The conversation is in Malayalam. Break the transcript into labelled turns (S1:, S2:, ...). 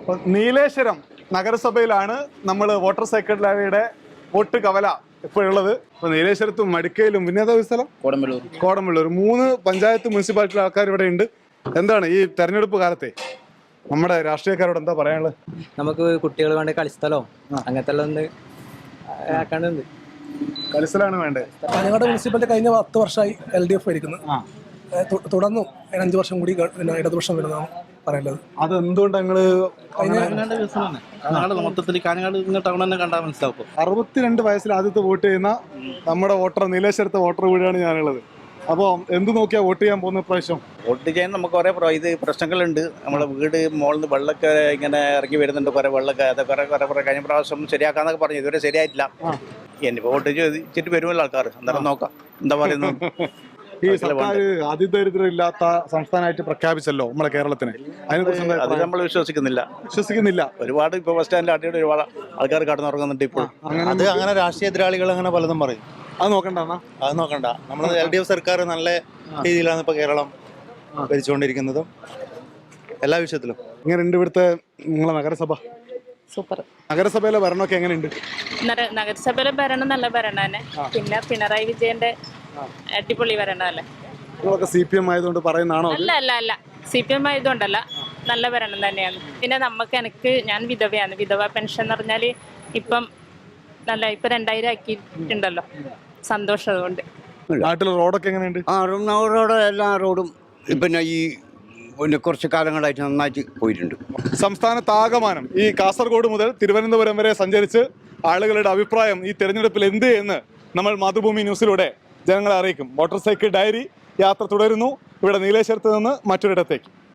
S1: നീലേശ്വരം നഗരസഭയിലാണ് നമ്മൾ വോട്ടർ സൈക്കിൾ ഡയറിയുടെ വോട്ട് കവല ഇപ്പോഴുള്ളത്. ഇപ്പൊ നീലേശ്വരത്തും മടിക്കയിലും പിന്നെ ഏതാ സ്ഥലം കോടമ്പള്ളൂർ 3 പഞ്ചായത്ത് മുനിസിപ്പാലിറ്റി ആൾക്കാർ ഇവിടെ ഉണ്ട്. എന്താണ് ഈ തെരഞ്ഞെടുപ്പ് കാലത്തെ നമ്മുടെ രാഷ്ട്രീയക്കാരോട് എന്താ പറയാനുള്ളത്?
S2: നമുക്ക് കുട്ടികൾ വേണ്ട കളിസ്ഥലോ അങ്ങനത്തെ എല്ലാം ഒന്ന് ആക്കാനുണ്ട്.
S1: കളിസ്ഥലാണ് വേണ്ടത്.
S3: കാഞ്ഞങ്ങാട് മുനിസിപ്പാലിറ്റി കഴിഞ്ഞ 10 വർഷമായി LDF ഭരിക്കുന്നു. തുടർന്നു 5 വർഷം കൂടി ഇടതുപക്ഷം വരുന്നതാണ് പറയുന്നത്.
S1: അത് എന്തുകൊണ്ട് ഞങ്ങള്
S4: മൊത്തത്തിൽ കാഞ്ഞങ്ങാട് ടൗൺ തന്നെ കണ്ടാൽ മനസ്സിലാക്കും.
S1: 62 വയസ്സിൽ ആദ്യത്തെ വോട്ട് ചെയ്യുന്ന നമ്മുടെ വോട്ടർ നീലേശ്വരത്തെ വോട്ടർ കൂടിയാണ് ഞാനുള്ളത്. അപ്പോൾ എന്ത് നോക്കിയാ വോട്ട് ചെയ്യാൻ പോകുന്ന പ്രാവശ്യം?
S4: വോട്ട് ചെയ്യാൻ നമുക്ക് കുറേ ഇത് പ്രശ്നങ്ങളുണ്ട്. നമ്മളെ വീട് മുകളിൽ നിന്ന് വെള്ളമൊക്കെ ഇങ്ങനെ ഇറങ്ങി വരുന്നുണ്ട്. കുറേ വെള്ളമൊക്കെ അതൊക്കെ കുറേ കഴിഞ്ഞ പ്രാവശ്യം ശരിയാക്കാന്നൊക്കെ പറഞ്ഞു. ഇതുവരെ ശരിയായിട്ടില്ല. എന്നിപ്പോൾ വോട്ട് ചെയ്തിട്ട് വരുമല്ലോ ആൾക്കാർ. അന്നേരം നോക്കാം എന്താ പറയുന്നത്.
S1: ഈ സർക്കാർ അതിദരിദ്രം ഇല്ലാത്ത സംസ്ഥാനമായിട്ട് പ്രഖ്യാപിച്ചല്ലോ നമ്മളെ കേരളത്തിന്.
S4: അത് നമ്മൾ വിശ്വസിക്കുന്നില്ല. ഒരുപാട് ഇപ്പോൾ ബസ് സ്റ്റാൻഡിൽ അടിയോടെ ഒരുപാട് ആൾക്കാർ കടന്നുറങ്ങുന്നുണ്ട് ഇപ്പോൾ.
S5: അത് അങ്ങനെ രാഷ്ട്രീയ എതിരാളികൾ അങ്ങനെ പലതും പറയും.
S1: അത് നോക്കണ്ട.
S5: നമ്മൾ LDF സർക്കാർ നല്ല രീതിയിലാണ് ഇപ്പൊ കേരളം ഭരിച്ചുകൊണ്ടിരിക്കുന്നതും എല്ലാ വിഷയത്തിലും.
S1: എങ്ങനെയുണ്ട് ഇവിടുത്തെ നിങ്ങളെ നഗരസഭ?
S6: സൂപ്പർ.
S1: നഗരസഭയിലെ ഭരണമൊക്കെ എങ്ങനെയുണ്ട്?
S6: നഗരസഭയിലെ ഭരണം നല്ല ഭരണം തന്നെ. പിന്നെ പിണറായി വിജയന്റെ അടിപൊളി ഭരണമല്ലേ.
S1: നിങ്ങളൊക്കെ CPM ആയതുകൊണ്ട് പറയുന്നതാണോ?
S6: അല്ല CPM ആയതുകൊണ്ടല്ല, നല്ല ഭരണം തന്നെയാണ്. പിന്നെ ഞാൻ വിധവയാണ്. വിധവ പെൻഷൻ എന്ന് പറഞ്ഞാല് ഇപ്പം 2000 ആക്കിയിട്ടുണ്ടല്ലോ. സന്തോഷം. അതുകൊണ്ട്
S1: നാട്ടിലെ റോഡൊക്കെ എങ്ങനെയുണ്ട്?
S7: എല്ലാ റോഡും പിന്നെ കുറച്ച് കാലങ്ങളായിട്ട് നന്നായിട്ട് പോയിട്ടുണ്ട്.
S1: സംസ്ഥാനത്താകമാനം ഈ കാസർഗോഡ് മുതൽ തിരുവനന്തപുരം വരെ സഞ്ചരിച്ച് ആളുകളുടെ അഭിപ്രായം ഈ തെരഞ്ഞെടുപ്പിൽ എന്ത് എന്ന് നമ്മൾ മാതൃഭൂമി ന്യൂസിലൂടെ ജനങ്ങളെ അറിയിക്കും. മോട്ടോർ സൈക്കിൾ ഡയറി യാത്ര തുടരുന്നു. ഇവിടെ നീലേശ്വരത്ത് നിന്ന് മറ്റൊരിടത്തേക്ക്.